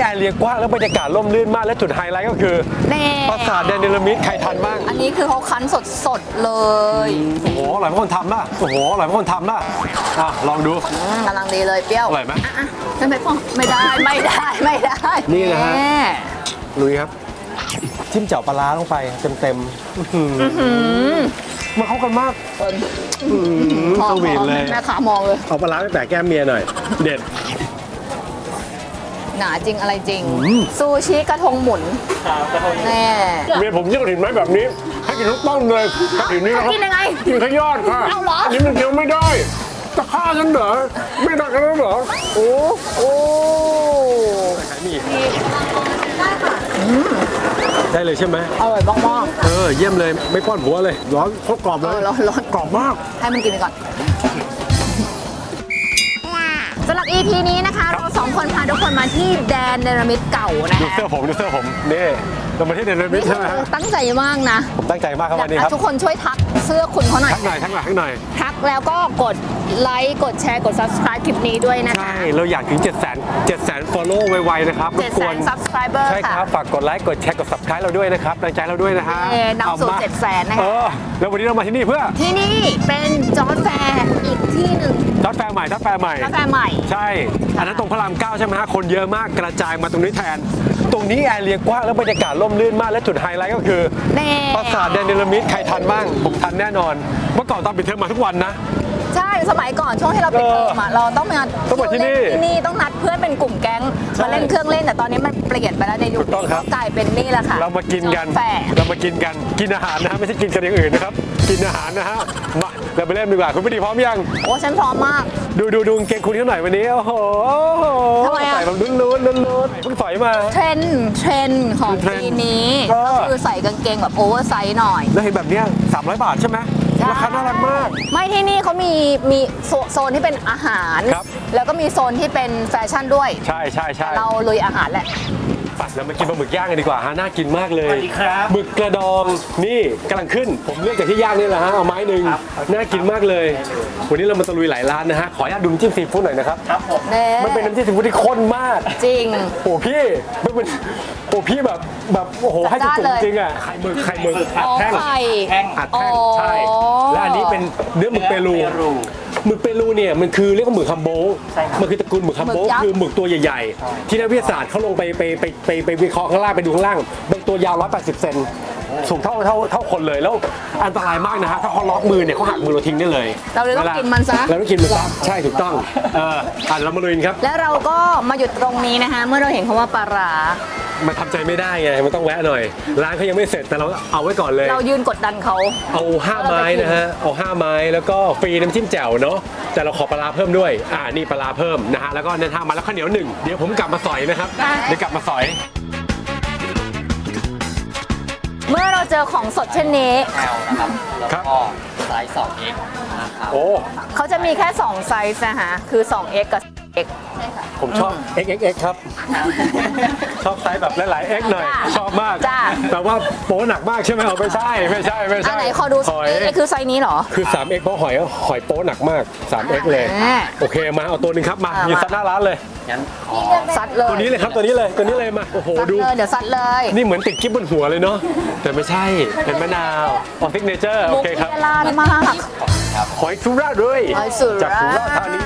แอเรียกว้างแล้วบรรยากาศร่มรื่นมากและจุดไฮไลท์ก็คือปราสาทแดนเนลมิดใครทันบ้างอันนี้คือเขาคั้นสดๆเลยโอ้โหอร่อยมากคนทำป่ะโอ้โหอร่อยมากคนทำป่ะลองดูกำลังดีเลยเปรี้ยวอร่อยไหมฉันไม่พอไม่ได้นี่นะฮะลุยครับจิ้มเจ่าปลาร้าลงไปเต็มมันเข้ากันมากสวีทเลยแม่ขามองเลยเอาปลาร้าไปแปะแก้มเมียหน่อยเด็ดหนาจริงอะไรจริงซูชิกระทงหมุนแน่เมียผมยิ่งกระถิ่นไม้แบบนี้ให้กินทั้งต้นเลยกระถิ่นนี้นะครับกินยังไงกินแค่ยอดค่ะเอาเหรออันนี้มันเคี้ยวไม่ได้จะฆ่าฉันเหรอไม่ได้กันแล้วเหรอโอ้ใช้มีได้เลยใช่ไหมอร่อยมากเยี่ยมเลยไม่ป้อนหัวเลยร้อนโคตรกรอบเลยร้อนกรอบมากให้มันกินไปก่อนสำหรับ EP นี้นะคะเราสองคนพาทุกคนมาที่แดนเนรมิตเก่านะคะดูเสื้อผมนี่เรามาที่แดนเนรมิตใช่ไหมตั้งใจมากนะผมตั้งใจมากครับวันนี้ครับทุกคนช่วยทักเสื้อคุณเขาหน่อยทักหน่อยทักแล้วก็กดไลค์กดแชร์กด subscribe คลิปนี้ด้วยนะคะใช่เราอยากถึง700,000 follow ไวๆนะครับ 700,000 subscriber ใช่ครับฝากกดไลค์กดแชร์กด subscribe เราด้วยนะครับกำลังใจเราด้วยนะฮะนำสู่700,000นะคะแล้ววันนี้เรามาที่นี่เพื่อที่นี่เป็นจอร์จแฟร์อีกที่หนึ่งจอร์จแฟร์ใหม่ใช่อันนั้นตรงพระราม9ใช่ไหมฮะคนเยอะมากกระจายมาตรงนี้แทนตรงนี้แอเรียกว้างแล้วบรรยากาศร่มรื่นมากและจุดไฮไลท์ก็คือปราสาทแดนเนลมิดใครทันบ้างผมทันแน่นอนเมื่อก่อนตอนปิดเทอมมาทุกวันนะใช่สมัยก่อนช่วงที่เราปิดเทอมเราต้องมาที่นี่ต้องนัดเพื่อนเป็นกลุ่มแก๊งมาเล่นเครื่องเล่นแต่ตอนนี้มันเปลี่ยนไปแล้วในยุคนี้ก็กลายเป็นนี่แหละค่ะเรามากินกันกินอาหารนะฮะไม่ใช่กินกันอย่างอื่นนะครับกินอาหารนะฮะมาเราไปเล่นดีกว่าคุณพี่ดีพร้อมยังโอ้ฉันพร้อมมากดูเกงคุณเขาหน่อยวันนี้โอ้โหใส่แบบลุ้นเพิ่งสอยมาเทรนของปีนี้ก็คือใส่กางเกงแบบโอเวอร์ไซส์หน่อยแล้วเห็นแบบนี้300 บาทใช่ไหมราคาน่ารักมากไม่ที่นี่เขามีโซนที่เป็นอาหารแล้วก็มีโซนที่เป็นแฟชั่นด้วยใช่เราลุยอาหารแหละปัดแล้วมากินปลาหมึกย่างกันดีกว่าฮะน่ากินมากเลยสวัสดีครับหมึกกระดองนี่กำลังขึ้นผมเลือกจากที่ย่างนี่แหละฮะเอาไม้หนึ่งน่ากินมากเลยวันนี้เรามาตะลุยหลายร้านนะฮะขออนุญาตดูน้ำจิ้มซีฟู้ดหน่อยนะครับมันเป็นน้ำจิ้มซีฟู้ดที่ข้นมากจริงโอ้พี่มันเป็นโอ้พี่แบบโอ้โหให้จุกจริงอ่ะไข่หมึกอัดแท่งใช่และอันนี้เป็นเนื้อหมึกเปรูหมึกเปรูเนี่ยมันคือเรียกว่าหมึกคัมโบมันคือตระกูลหมึกคัมโบคือหมึกตัวใหญ่ๆที่นักวิทยาศาสตร์เขาลงไปวิเคราะห์ข้างล่างไปดูข้างล่างเป็นตัวยาว180 เซนสูงเท่าคนเลยแล้วอันตรายมากนะฮะถ้าเขาล็อกมือเนี่ยเขาหักมือเราทิ้งได้เลยเราเลยต้องกินมันซะใช่ถูกต้องเรามาลุยครับแล้วเราก็มาหยุดตรงนี้นะคะเมื่อเราเห็นคำว่าปลาร้ามันทำใจไม่ได้ไงมันต้องแวะหน่อยร้านเขายังไม่เสร็จแต่เราเอาไว้ก่อนเลยเรายืนกดดันเขาเอา5 ไม้นะฮะเอา5 ไม้แล้วก็ฟรีน้ำจิ้มแจ่วเนาะแต่เราขอปลาร้าเพิ่มด้วยนี่ปลาร้าเพิ่มนะฮะแล้วก็เน้น5 ไม้แล้วข้าวเหนียว1เดี๋ยวผมกลับมาสอยนะครับเดี๋ยวกลับมาสอยเมื่อเราเจอของสดเช่นนี้ครับไซส์ 2X นะครับโอ้เขาจะมีแค่2ไซส์นะคะคือ 2X กับ X ใช่ค่ะผมชอบ XXX ครับชอบไซส์แบบหลายๆ X หน่อยชอบมากแต่ว่าโป๊หนักมากใช่ไหมไม่ใช่อันไหนขอดู X คือไซส์นี้เหรอคือ 3X เพราะหอยโป๊หนักมาก 3X เลยโอเคมาเอาตัวนึงครับมายืนซัดหน้าร้านเลยงั้นซัดเลยตัวนี้เลยครับตัวนี้เลยมาโอ้โหดูเดี๋ยวซัดเลยนี่เหมือนติดกิ๊บบนหัวเลยเนาะแต่ไม่ใช่เป็นมะนาวออซิกเนเจอร์โอเคครับมุกเวลามากหอยสุราษฎร์ด้วยจากสุราษฎร์ธานี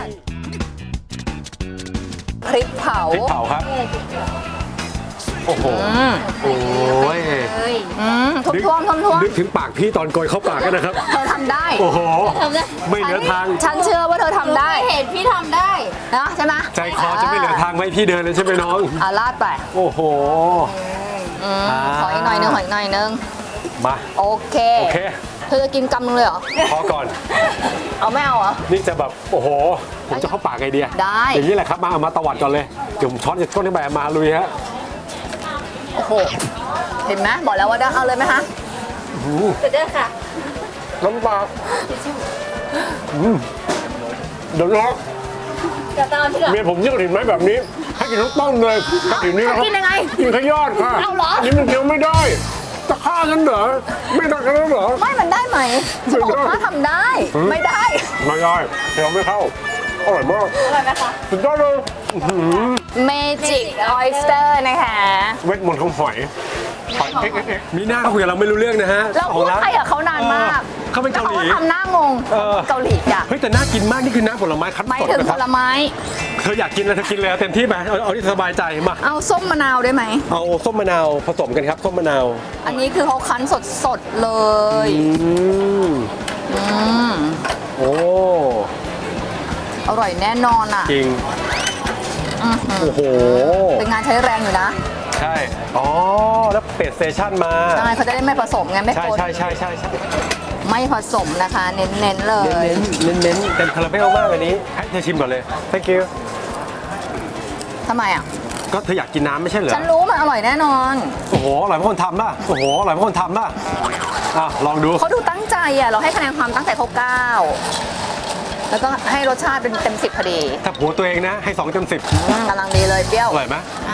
พริกเผาครับโอ้โหโอ้ยท่วมนึกถึงปากพี่ตอนโกยเข้าปากกันนะครับเธอทำได้โอ้โหไม่เหลือทางฉันเชื่อว่าเธอทำได้เห็นพี่ทำได้นะใช่ไหมใจคอจะไม่เหลือทางไว้พี่เดินเลยใช่ไหมน้องลาดไปโอ้โหขออีกหน่อยนึงมาโอเคเธอจะกินกำนึงเลยเหรอพอก่อนเอาไม่เอาเหรอนี่จะแบบโอ้โหผมจะเข้าปากไอเดียได้อย่างนี้แหละครับมาตวัดก่อนเลยจุ่มช้อนจากก้นขึ้นไปมาลุยฮะโอ้โหเห็นไหมบอกแล้วว่าได้เอาเลยไหมคะเด้อค่ะน้ำปลาเดี๋ยวนะเมียผมยิ่งกระถิ่นไม้แบบนี้ให้กินทั้งต้นเลยกระถิ่นนี้นะครับกินยังไงกินแค่ยอดค่ะเอาเหรออันนี้มันเคี้ยวไม่ได้จะฆ่าฉันเหรอไม่ได้กันแล้วเหรอไม่มันได้ไหมจะบอกว่าทำได้ไม่ได้เคี้ยวไม่เข้าอร่อยมากอร่อยไหมคะสุดยอดเลย Magic Oyster นะคะเวทมนต์ของหอยมีหน้าเขาคุยกับเราไม่รู้เรื่องนะฮะเราพูดไทยกับเขานานมากเขาเป็นเกาหลีแล้วเขาก็ทำหน้างงเกาหลีจ้ะเฮ้ยแต่น่ากินมากนี่คือน้ำผลไม้คั้นหมายสดถึงนะผครับลไม้เธออยากกินอะไรเธอกินเลยเต็มที่ไปเอาที่สบายใจมาเอาส้มมะนาวได้ไหมเอาส้มมะนาวผสมกันครับส้มมะนาวอันนี้คือเขาคั้นสดๆเลย อืมโอ้อร่อยแน่นอนอ่ะจริงอื้อหือโอ้โหเป็นงานใช้แรงอยู่นะใช่อ๋อแล้วเปลี่ยนสเตชันมาใช่เขาจะได้ไม่ผสมไงไม่ใช่ปนใช่ใช่ใช่ใช่ไม่ผสมนะคะ เน้นๆเลยเน้นเต็มคาราเบลมากอันนี้ให้เธอชิมก่อนเลย thank you ทำไมอ่ะก็เธออยากกินน้ำไม่ใช่เหรอฉันรู้มันอร่อยแน่นอนโอ้โหอร่อยเพราะคนทำป่ะโอ้โหอร่อยเพราะคนทำป่ะอ่ะลองดูเขาดูตั้งใจอ่ะ เราให้คะแนนความตั้งใจเขา9แล้วก็ให้รสชาติเป็นเต็ม10พอดีถ้าผัวตัวเองนะให้2เต็ม10 กำลังดีเลยเปรี้ยวอร่อยไหม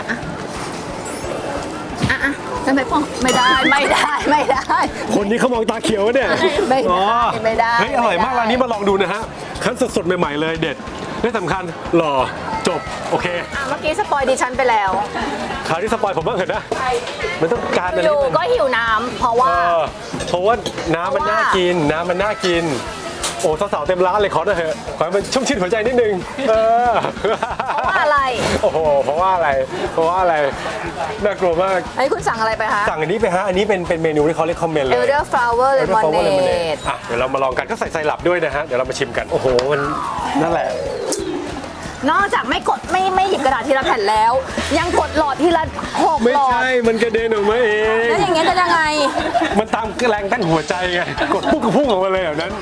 อ่ะฉันไปพ่อไม่ได้คนนี้เขามองตาเขียวเนี่ยไม่ได้อ๋อไม่ได้เฮ้ยอร่อยมากร้านนี้มาลองดูนะฮะคั้นสดๆใหม่ๆเลยเด็ดและสำคัญหล่อจบโอเคเมื่อกี้สปอยดิฉันไปแล้วคราวนี้สปอยผมบ้างเถอะนะมันต้องการอะไรอยู่ที่มันก็หิวน้ำเพราะว่าเพราะว่าน้ำมันน่ากินน้ำมันน่ากิน โอ้สาวๆเต็มร้านเลยขอหน่อยเถอะขอให้มันชุ่มชื่นหัวใจนิดนึงเพราะว่าอะไรโอ้โหเพราะว่าอะไรน่ากลัวมากไอ้คุณสั่งอะไรไปคะสั่งอันนี้ไปฮะอันนี้เป็นเมนูที่เขาเรียกคอมเมนต์เลย Elderflower Lemonade อ่ะเดี๋ยวเรามาลองกันก็ใส่ไซรัปด้วยนะฮะเดี๋ยวเรามาชิมกันโอ้โหมันนั่นแหละนอกจากไม่กดไม่หยิบกระดาษทีละแผ่นแล้ว ยังกดหลอดทีละ6 ไม่หลอดใช่มันกระเด็นออกมาเองแล้วอย่างเงี้ยจะยังไงมันตามแรงต้านหัวใจไงกดปุ๊บก็พุ่งออกมาเลยแบบนั้น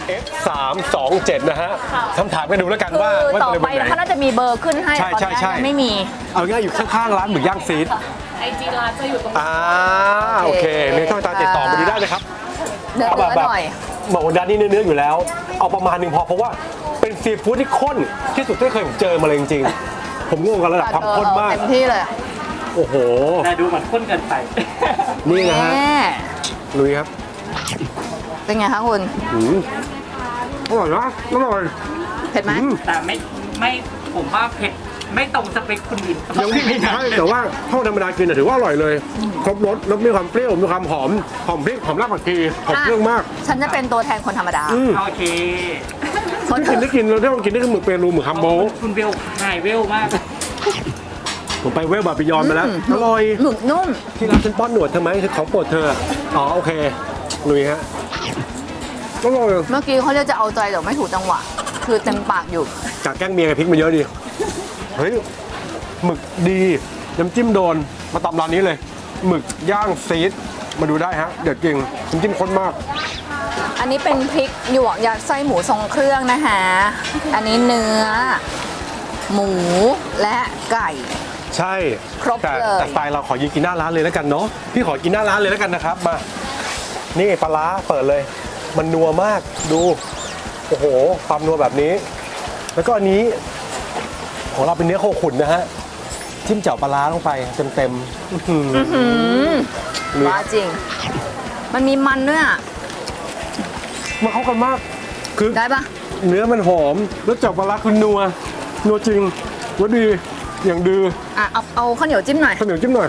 F327 นะฮะคำถามกันดูแล้วกันว่าคือว่าต่อจะไปเป็นวันไหเขานน่าจะมีเบอร์ขึ้นให้ใช่ตอนใช่นี้ใช่ยังไม่มีเอาง่ายอยู่ข้างๆร้านหมึกย่างซีด IG ร้านจะอยู่ตรงโอเคมีช่องทางติดต่อมาดูได้นะครับเนื้อแบบหน่อยบอกว่าด้านนี้เนื้อๆอยู่แล้ว เอาประมาณหนึงพอเพราะว่าเป็นซีฟู้ดที่ข้นที่สุดที่เคยผมเจอมาเลยจริงๆผมงงกับระดับความข้นมากเต็มที่เลยโอ้โหแต่ดูเหมือนข้นเกินไปนี่นะฮะแม่ลุยครับเป็นไงคะคุณอืมอร่อยนะอร่อยเผ็ดไหมแต่ไม่ผมว่าเผ็ดไม่ตรงสเปคคนอื่นยังไม่ใช่แต่ว่าข้าวธรรมดากินถือว่าอร่อยเลยครบรสแล้วมีความเปรี้ยวมีความหอมพริกหอมรากผักชีหอมเครื่องมากฉันจะเป็นตัวแทนคนธรรมดาโอเคได้กินเราได้ลองกินได้คือหมึกเปรูหมึกฮัมโบคุณเวลหายเวลมากผมไปเวลบาปิยอนมาแล้วอร่อยหมึกนุ่มที่ร้านฉันป้อนหนวดเธอไหมคือของโปรดเธออ๋อโอเคลุยฮะอร่อยเมื่อกี้เขาจะเอาใจแต่ไม่ถูกจังหวะ คือเต็มปากอยู่จากแกล้งเมียกับพริกมาเยอะดีเฮ้ยหมึกดีน้ำจิ้มโดนมาตำร้านนี้เลยหมึกย่างซีดมาดูได้ฮะเด็ดจริงน้ำจิ้มข้นมากอันนี้เป็นพริกหยวกยัดไส้หมูทรงเครื่องนะคะ อันนี้เนื้อ หมูและไก่ใช่ครบแต่เลยแต่สไตล์เราขอยืนกินหน้าร้านเลยแล้วกันเนาะพี่ขอกินหน้าร้านเลยแล้วกันนะครับมานี่ปลาร้าเปิดเลย มันนัวมากดูโอ้โหความนัวแบบนี้ แล้วก็อันนี้ของเราเป็นเนื้อโคขุนนะฮะจิ้มเจ่วปลาร้าลงไปเต็มๆอื้อหือว้าจริง มันมีมันด้วยอ่ะมาเข้ากันมากคือได้ปะเนื้อมันหอมแล้วเจ่วปลาร้าคือนัวจริงว่าดีอย่างดืออ่ะเอาข้าวเหนียวจิ้มหน่อยข้าวเหนียวจิ้มหน่อย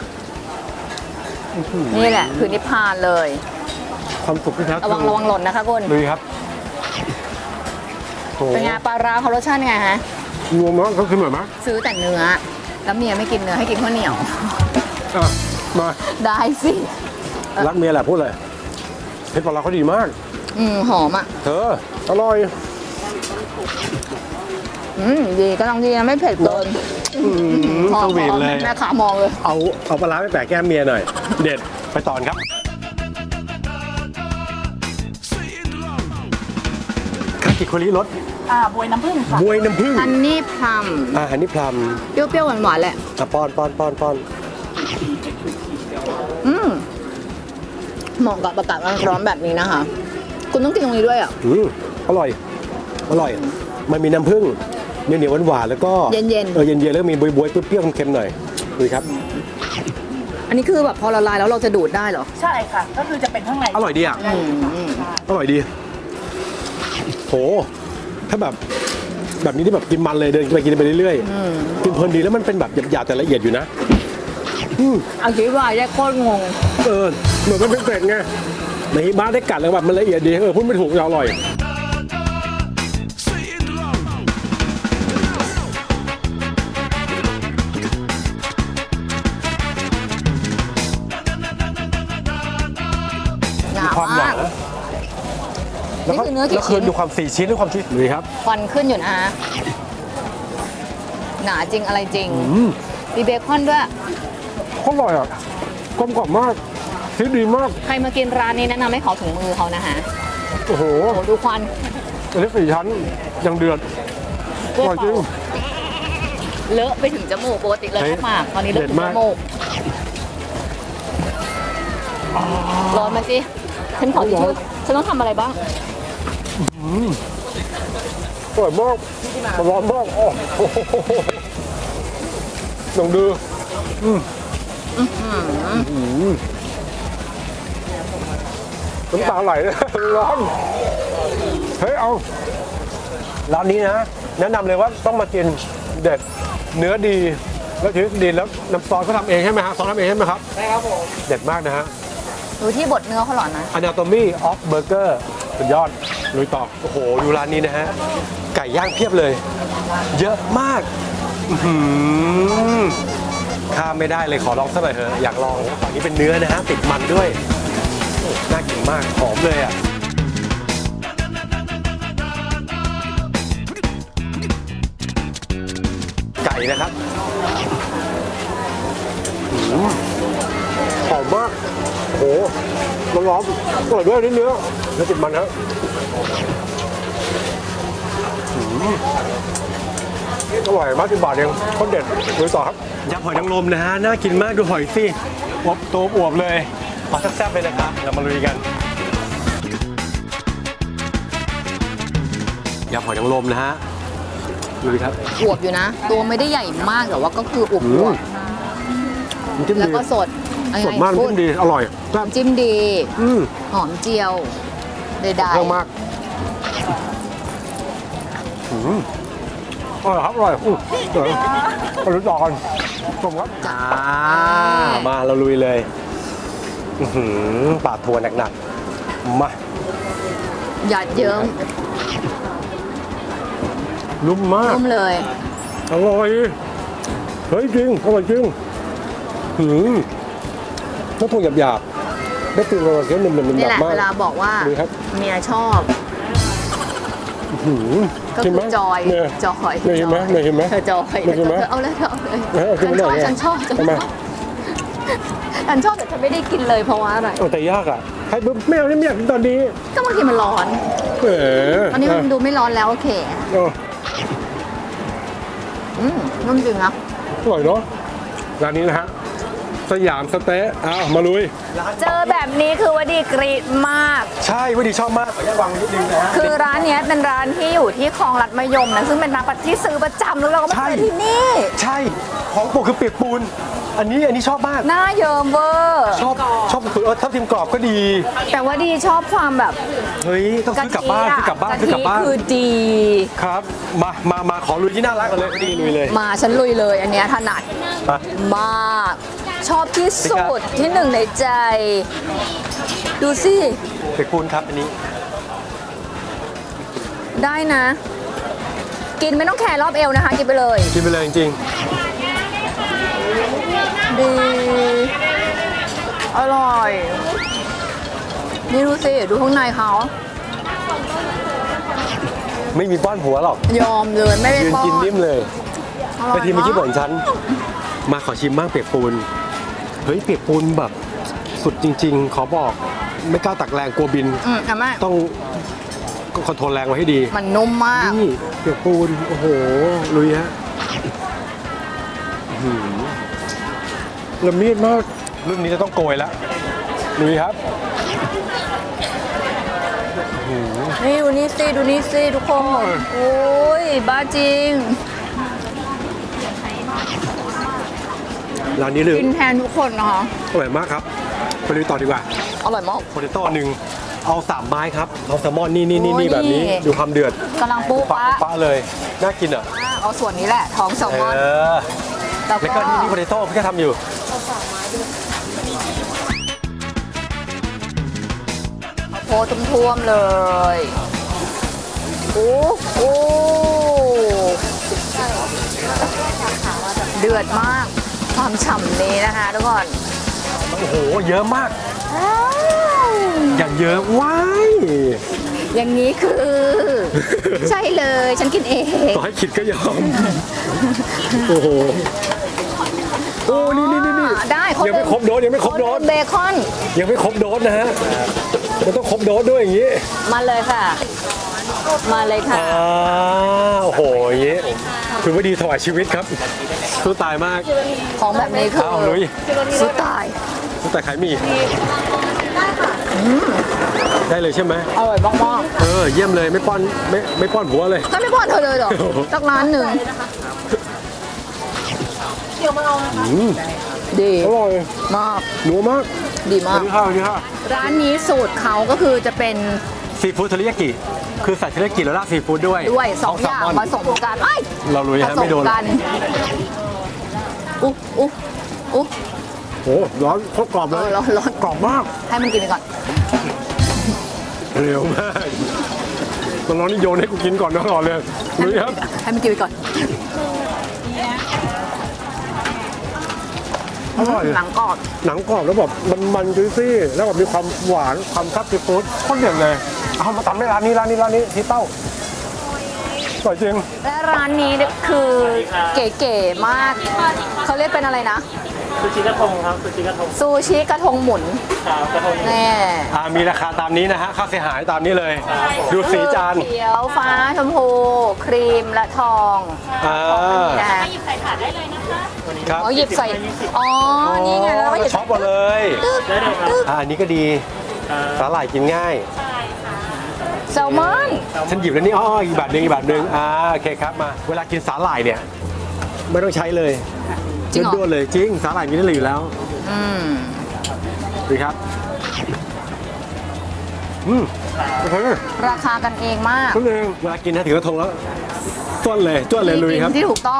นี่แหละคือนิพพานเลยความสุขที่แท้ทรูระวังหล่นนะคะคุณลุยครับโอ้เป็นไงปลาร้าเขารสชาติไงฮะรวมแล้วก็คือเหมือนไหมซื้อแต่เนื้อ แล้วเมียไม่กินเนื้อให้กินข้าวเหนียวอ่ะมาได้สิรักเมียแหละพูดเลยเผ็ดปลาร้าเขาดีมากหอมอ่ะเธออร่อยดีก็ต้องดีนะไม่เผ็ดเกินสวีทเลยแม่ขามองเลยเอาปลาร้าไปแปะแก้มเมียหน่อย เด็ดไปต่อครับคากิโคริรสบวยน้ำผึ้งค่ะบวยน้ำผึ้งอันนี้พลัมอันนี้พลัมเปรี้ยวๆหวานๆแหละป้อนเหมาะกับอากาศร้อนๆแบบนี้นะคะ คุณต้องกินตรงนี้ด้วยอ่ะอร่อยมันมีน้ำผึ้งเหนียวหวานๆแล้วก็เย็นๆเย็นๆแล้วมีบวยๆเปรี้ยวๆเค็มๆหน่อยดูครับอันนี้คือแบบพอละลายแล้วเราจะดูดได้เหรอใช่ค่ะ ก็คือจะเป็นข้างในอร่อยดีอ่ะอร่อยดีโหถ้าแบบแบบนี้ที่แบบกินมันเลยเดินไปกินไปเรื่อยๆกินเพลินดีแล้วมันเป็นแบบหยาบๆแต่ละเอียดอยู่นะอธิบายได้โคตรงงเหมือนมันเป็นเป็ดไงในฮิบ้าได้กัดแล้วแบบมันละเอียดดีพูดไม่ถูกอร่อยมีความหนาแล้วก็นี่คือเนื้อกี่แล้วคืชิ้อน ดูความ4 ชิ้นด้วยความที่นี่ครับควันขึ้นอยู่นะหนาจริงอะไรจริงมีเบคอนด้วยอร่อยอ่ะกลมกล่อมมากชีสดีมากใครมากินร้านนี้แนะนำให้ขอถุงมือเขานะคะโอ้โหโอ้ดูควันอันนี้4 ชั้นยังเดือดอร่อยจริงเลอะไปถึงจมูกปกติเลอะแค่ปากตอนนี้เลอะถึงเด็ดจมากมูกร้อนไหมสิฉันขอทิชชู่ฉันต้องทำอะไรบ้างอร่อยมากมันร้อนมากโอ้โหลองดูน้ำตาไหลเลยร้อนเฮ้ยเอาร้านนี้นะแนะนำเลยว่าต้องมากินเด็ดเนื้อดีแล้วชีสดีแล้วน้ำซอสเขาทำเองใช่ไหมฮะซอสทำเองใช่ไหมครับใช่ครับผมเด็ดมากนะฮะดูที่บดเนื้อเขาหรอนะ Anatomy of Burger สุดยอดลุยต่อโอ้โหดูร้านนี้นะฮะไก่ย่างเพียบเลย เยอะมากอื้อหือข้ามไม่ได้เลยขอลองสักหน่อยเถอะอยากลองฝั่งนี้เป็นเนื้อนะฮะติดมันด้วยโอ้น่ากินมากหอมเลยอ่ะไก่นะครับหอมมากโอ้โหร้อนๆอร่อยด้วยเนื้อติดมันครับอร่อยมาก10 บาทเองโคตรเด็ดดูต่อครับยำหอยนางรมนะฮะน่ากินมากดูหอยสิอบตัวอวบเลยมาแซ่บๆเลยนะครับเรามาลุยกันยำหอยนางรมนะฮะดูดิครับอวบอยู่นะ ตัวไม่ได้ใหญ่มากแต่ว่าก็คืออวบมันจิ้มแล้วดีก็สดสดมากพูจิ้มดีอร่อยแซ่บจิ้มดี หอมเจียวใดเยอะมากอร่อยครับอร่อยเดี๋ยวมาลุ้นต่อกันชมครับมาเราลุยเลยปาดทัวหนักๆมาๆหยาดเยิ้มนุ่มมากนุ่มเลยอร่อยเฮ้ยจริงอร่อยจริงถ้าพวกหยาบๆได้ฟิลอร่อยเคี้ยวหนึบๆนี่แหละมากเวลาบอกว่าดีครับเมียชอบก็คือจอยเนี่ยจอยเนี่ยเห็นไหมเนี่ยเห็นไหมเธอจอยเนี่ยเห็นไหมเธอเอาเลยเธอเอาเลยเอาขึ้นมาหน่อยฉันชอบทำไมฉันชอบแต่ฉันไม่ได้กินเลยเพราะว่าอะไรแต่ยากอ่ะให้ปุ๊บไม่เอานี่ไม่อยากกินตอนนี้ก็บางทีมันร้อนเออตอนนี้มันดูไม่ร้อนแล้วโอเค นุ่มจริงนะอร่อยเนาะร้านนี้นะฮะสยามสเต๊ะอ้าวมาลุยเจอแบบนี้คือว่าดีกรีดมากใช่ว่าดีชอบมากขออนุญาตวางนิดนึงนะฮะคือร้านเนี้ยเป็นร้านที่อยู่ที่คลองลัดมะยมนะซึ่งเป็นร้านที่ซื้อประจำแล้วเราก็ไม่เคยที่นี่ใช่ของโปรดคือเปียกปูนอันนี้ชอบมากหน้าเยิ้มเวอร์ชอบทับทิมกรอบก็ดีแต่ว่าดีชอบความแบบเฮ้ยต้องซื้อกลับบ้านซื้อกลับบ้านซื้อกลับบ้านคือดีครับมาขอลุยที่น่ารักกันเลยดีลุยเลยมาฉันลุยเลย อันเนี้ยถนัดมามาก ชอบที่สุดที่หนึ่งในใจ ดูสิเปียกปูนครับอันนี้ได้นะ กินไม่ต้องแคร์รอบเอวนะคะ กินไปเลยกินไปเลยจริงดี อร่อย นี่ดูสิ ดูข้างในเขาๆไม่มีป้อนหัวหรอกยอมเลยไม่ได้ยืนป้อนกินนิ่มเลยอร่อยไปทีเมื่อกี้มาบ่นฉันมาขอชิมบ้างเปียกปูนเฮ้ยเปียกปูนแบบสุดจริง ๆ ขอบอกไม่กล้าตักแรงกลัวบินอ่ะแม่ต้องคอนโทรลแรงไว้ให้ดีมันนุ่มมากนี่เปียกปูนโอ้โหลุยฮะละเมียดมากรุ่นนี้จะต้องโกยแล้วลุยครับนี่ดูนี่สิดูนี่สิทุกคน โอ้ย บ้าจริงร้านนี้เลยกินแทนทุกคนนะคะอร่อยมากครับไปลุยต่อดีกว่าอร่อยมากโพเตโต้หนึ่งเอา3ไม้ครับเอาแซลมอนนี่โอ้แบบนี้นี่ดูความเดือดกำลังปุ๊ปะปะปะเลยน่ากินอ่ะเอาส่วนนี้แหละท้องแซลมอน แล้วแล้วก็ก็นี่โพเตโต้พี่ก็ทำอยู่โพท่วมๆเลยโอ้โหเดือดมากความฉ่ำนี้นะคะทุกคนโอ้โหเยอะมากอย่างเยอะว้ายอย่างนี้คือ ใช่เลยฉันกินเองต่อให้คิดก็ยอมโอ้โหโอ้นี่ได้ยังไม่ครบโดสยังไม่ครบโดสเบคอนยังไม่ครบโดสนะฮะมันต้องครบโดสด้วยอย่างนี้มาเลยค่ะ มาเลยค่ะโอ้โหอย่างนี้คุณว่าดีถวายชีวิตครับสู้ตายมากของแบบนี้คือเอาลุยสู้ตายสู้ตายขายหมี่ได้เลยใช่ไหมอร่อยมากเยี่ยมเลยไม่ป้อนผัวเลยๆถ้าไม่พอเธอเลยเหรอสักร้านหนึ่งดีอร่อยมากหนัวมากดีสมาวักสดีค่ะสวัสดีค่ะร้านนี้สูตรเขาก็คือจะเป็นซีฟู้ดเทริยากิคือใส่เทริยากิแล้วราดซีฟู้ดด้วยสองอย่างผสมกันไอ้ยเราลุยผฮะสไม่มโดนกันอุ๊อุ๊โอ้ร้อนโคตรกรอบเลยร้อนกรอบมากให้มันกินไปก่อนเร็วมากตอนร้อนนี่โยนให้กูกินก่อนนะก่อนเลยลุยครับให้มันกินไปก่อนอร่อยหนังกรอบหนังกรอบแล้วแบบมันจุยซี่แล้วแบบมีความหวานความซับซีฟู้ดโคตรเด็ดเลยเอามาทำให้ร้านนี้ที่เต้าสวยจริงและร้านนี้คือเก๋ๆมาก เขาเรียกเป็นอะไรนะซูชิกระทงครับซูชิกระทงซูชิกระทงหมุนครับกระทงแน่มีราคาตามนี้นะฮะค่าเสียหายตามนี้เลย ดูสีจานเขียวฟ้าชมพู ครีมและทอง นี่นะคะครับอ๋อหยิบใส่ อ๋อ นี่ไงแล้วเราก็หยิบช็อปมาเลยได้เลยครับอันนี้ก็ดีสาหร่ายกินง่ายแซลมอนฉันหยิบแล้วนี่อีกแบบหนึงโอเคครับมาเวลากินสาหร่ายเนี่ยไม่ต้องใช้เลยจริงเหรอด้วนๆเลยจริงสาหร่ายมีได้เลยอยู่แล้วอืมดูครับโอเคราคากันเองมากก็เลยเวลากินนะถึงกระทงแล้วจ้วนเลยลุยครับที่ถูกต้อง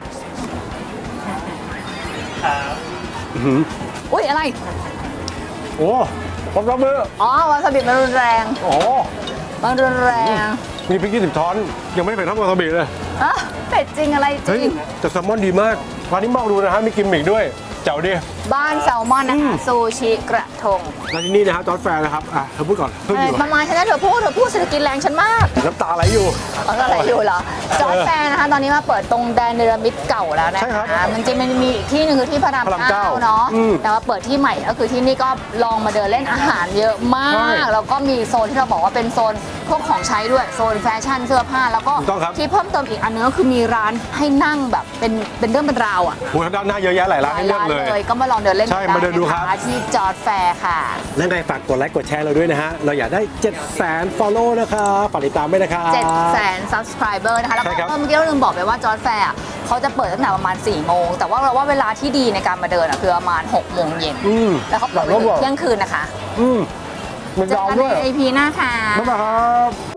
อุ้ยอะไรโอ้พร้อมรับมืออ๋อวาซาบิมันรุนแรงโอ้มันรุนแรงมีพริก20ช้อนยังไม่ได้เผ็ดเท่าวาซาบิเลยอ่ะเป็ดจริงอะไรจเฮ้ยริงแต่แซลมอนดีมากร้านนี้มองดูนะฮะมีกิมมิกด้วยเจ๋วดิบ้านแซลมอนนะคะ ซูชิกระทงร้านที่นี่นะครับจอร์จแฟร์นะครับเธอพูดก่อนเพิ่งอยู่ประมาณฉันนะเธอพูดเศรษฐกิจแรงฉันมากน้ำตาไหลอยู่อะไรอยู่เหรอ จอร์จแฟร์นะคะ ตอนนี้มาเปิดตรงแดนเนรมิตเก่าแล้วนะใช่ครัคะบมันจะมีอีกที่หนึ่งคือที่พระรามพระรามเก้าเนาะอืมแต่ว่าเปิดที่ใหม่ก็คือที่นี่ก็ลองมาเดินเล่นอาหารเยอะมาใช่ก แล้วก็มีโซนที่เราบอกว่าเป็นโซนพวกของใช้ด้วย โซนแฟชั่นเสื้อผ้า แล้วก็ถูกต้องครับที่เพิ่มเติมอีกอันนึงก็คือมีร้านให้นั่งแบบเป็นเรื่องเป็นราวอ่ะโอ้ยด้านหน้าเยอะแยะหลายร้านให้เลือกเลยก็มาลองเดินเล่นใช่มาเดินดูครับะะที่จอร์จแฟร์ค่ะและในฝากกดไลค์กดแชร์เราด้วยนะฮะ เราอยากได้ 700,000 follow นะครับฝากติดตามด้วยนะครับ 700,000 subscriber นะคะ แล้วใช่ครัก็บเมื่อกี้เราลืมบอกไปว่าจอร์จแฟร์เขาจะเปิดตั้งแต่ประมาณ 4 โมง แต่ว่าเราว่าเวลาที่ดีในการมาเดินคือประมาณ 6 โมงเย็น แล้วเขาเปิดไปถึงเที่ยงคืนนะคะมันเจอยาวกันด้วยใน EP หน้าค่ะบ๊ายบายครับ